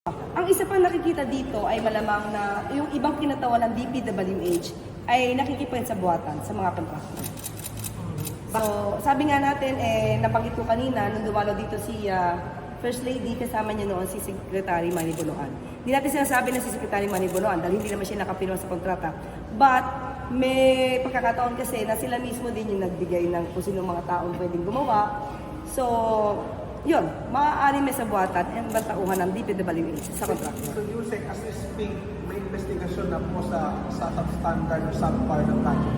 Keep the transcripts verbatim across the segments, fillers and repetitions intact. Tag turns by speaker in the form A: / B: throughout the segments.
A: Ang isa pang nakikita dito ay malamang na yung ibang kinatawan ng D P W H ay nakikipagin sa buwatan sa mga kontraktor. So, sabi nga natin, eh, nabanggit ko kanina, nung dumalo dito si uh, First Lady, kasama niya noon si Secretary Manny Bonoan. Hindi natin sinasabi na si Secretary Manny Bonoan dahil hindi naman siya nakapirma sa kontrata. But, may pagkakataon kasi na sila mismo din yung nagbigay ng kung sino mga taong pwedeng gumawa. So, yun, maaari may sa buwatan ang bantauhan ng D P W H sa kontrata.
B: So you say, as we speak, may investigasyon na po sa, sa substandard o subpar ng project?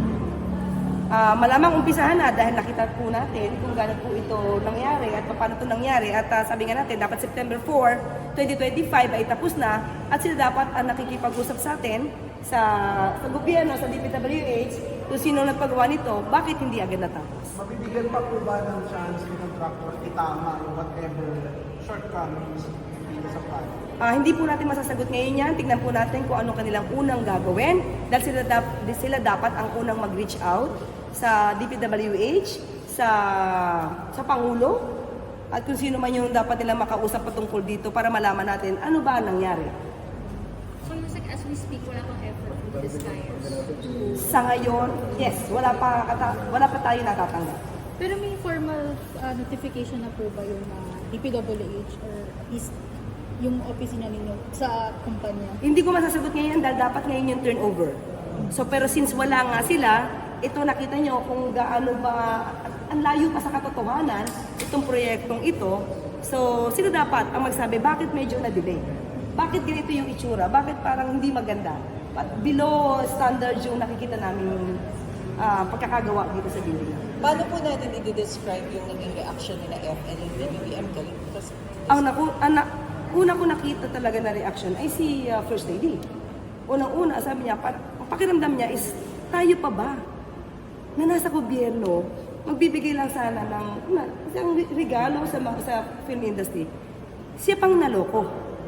A: Uh, malamang umpisahan na dahil nakita po natin kung gano'n po ito nangyari at paano ito nangyari. At uh, sabi nga natin, dapat September four, twenty twenty-five ay tapos na at sila dapat ang nakikipag-usap sa atin sa, sa gobyerno, sa D P W H, kung sino nagpagawa nito, bakit hindi agad natapos.
B: Mabibigyan pa po ba ng chance ng contractor itama yung whatever shortcomings dito sa project?
A: Uh, hindi po natin masasagot ngayon yan. Tignan po natin kung ano kanilang unang gagawin. Dahil sila, dap- sila dapat ang unang mag-reach out sa D P W H, sa, sa Pangulo, at kung sino man yung dapat nilang makausap patungkol dito para malaman natin ano ba ang nangyari.
C: So, like, as we speak, wala pang effort with this guys.
A: Sa ngayon, yes, wala pa, kata- wala pa tayo natatanggap.
D: Pero may formal uh, notification na po ba yung uh, D P W H or at least yung opisina ninyo sa kumpanya?
A: Hindi ko masasagot ngayon dahil dapat ngayon yung turnover. So, pero since wala nga sila, ito nakita nyo kung gaano ba, ang layo pa sa katotohanan, itong proyektong ito. So, sila dapat ang magsabi, bakit medyo na-delay? Bakit ganito yung itsura? Bakit parang hindi maganda? But below standard yung nakikita namin uh, pagkakagawa dito sa building.
E: Paano po natin i-describe yung naging reaction nila F L and B B M galing?
A: Ang, naku, ang na, una ko nakita talaga na reaction ay si uh, First Lady. Unang-una, sabi niya, pa, pakiramdam niya is, tayo pa ba? Na nasa gobyerno, magbibigay lang sana ng na, isang regalo sa, mga, sa film industry. Siya pang naloko.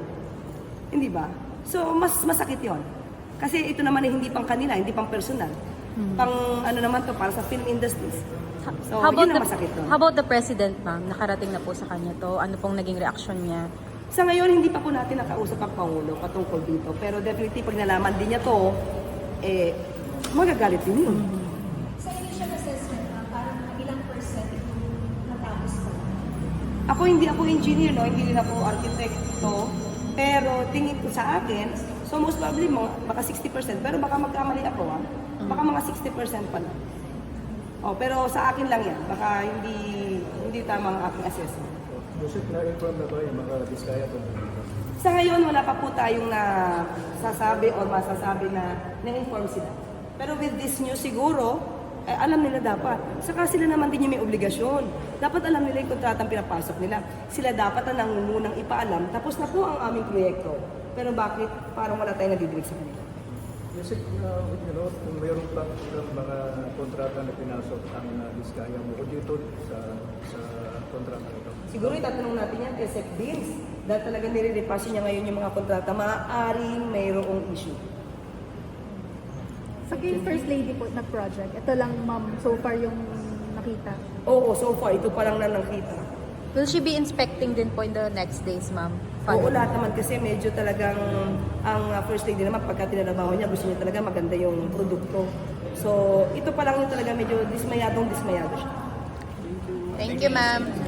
A: Hindi ba? So, mas masakit yon. Kasi ito naman ay hindi pang kanila, hindi pang personal. Hmm. Pang ano naman to para sa film industries. So,
F: how about
A: yun ang
F: the,
A: masakit doon.
F: How about the president, ma'am? Nakarating na po sa kanya to. Ano pong naging reaction niya?
A: Sa ngayon, hindi pa po natin nakausap ang Pangulo patungkol dito. Pero definitely, pag nalaman din niya to, eh, magagalit din yun.
F: Mm-hmm.
C: Sa initial assessment, uh, parang ilang percent yung natapos pa?
A: Ako hindi ako engineer, no? Hindi rin ako arkitekto. Pero tingin ko sa akin, so most probably mga, baka sixty percent. Pero baka magkamali ako, ha? Baka mga sixty percent pa lang. Oh, pero sa akin lang yan. Baka hindi hindi tama ang aking assessment.
B: Joseph, na-inform na ba yung mga diskaya po?
A: Sa ngayon, wala pa po tayong nasasabi o masasabi na na-inform sila. Pero with this news siguro, eh, alam nila dapat. Saka sila naman din yung may obligasyon. Dapat alam nila yung kontratang pinapasok nila. Sila dapat ang nangungunang ipaalam. Tapos na po ang aming proyekto. Pero bakit parang wala tayong nadidinig sa kanila?
G: Music, uh, you know, kung mayroong pa ng mga kontrata na pinasok ang uh, diskaya mo dito sa sa kontrata nito.
A: Siguro itatanong natin yan kay Sec Bills. Dahil talaga nire-repass niya ngayon yung mga kontrata, maaaring mayroong issue.
D: Sa kay First Lady po na project, ito lang ma'am so far yung nakita.
A: Oo, so far, ito pa lang na nakita.
F: Will she be inspecting din po in the next days, ma'am?
A: Oo, lahat naman kasi medyo talagang ang uh, First Lady naman pagka tinarabaho niya, gusto niya talaga maganda yung produkto. So, ito pa lang yung talaga medyo dismayadong dismayado siya.
F: Thank you, ma'am.